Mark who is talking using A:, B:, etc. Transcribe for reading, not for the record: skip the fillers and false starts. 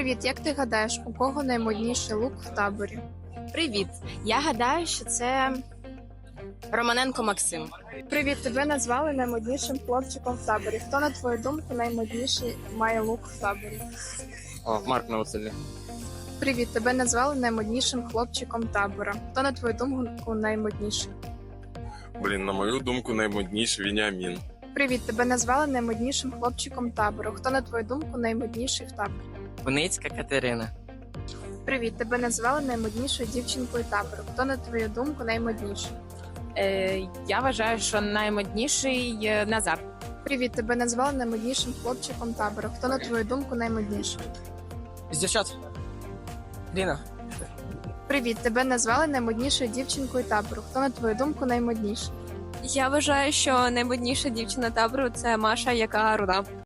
A: Привіт, як ти гадаєш, у кого наймодніший лук в таборі?
B: Привіт! Я гадаю, що це Романенко Максим.
A: Привіт, тебе назвали наймоднішим хлопчиком в таборі. Хто, на твою думку, наймодніший має лук в таборі?
C: Марк Новоселі.
A: Привіт, тебе назвали наймоднішим хлопчиком табора. Хто, на твою думку, наймодніший?
D: На мою думку, наймодніший Веніамін.
A: Привіт, тебе назвали наймоднішим хлопчиком табору. Хто, на твою думку, наймодніший в таборі?
C: Куницька Катерина.
A: Привіт, тебе назвали наймоднішою дівчинкою табору. Хто, на твою думку, наймодніший?
B: Я вважаю, що наймодніший Назар.
A: Привіт, тебе назвали наймоднішим хлопчиком табору. Хто, на твою думку, наймодніший?
C: З дівчат. Ліна.
A: Привіт, тебе назвали наймоднішою дівчинкою табору. Хто, на твою думку, наймодніший?
E: Я вважаю, що наймодніша дівчина табору це Маша, яка руда.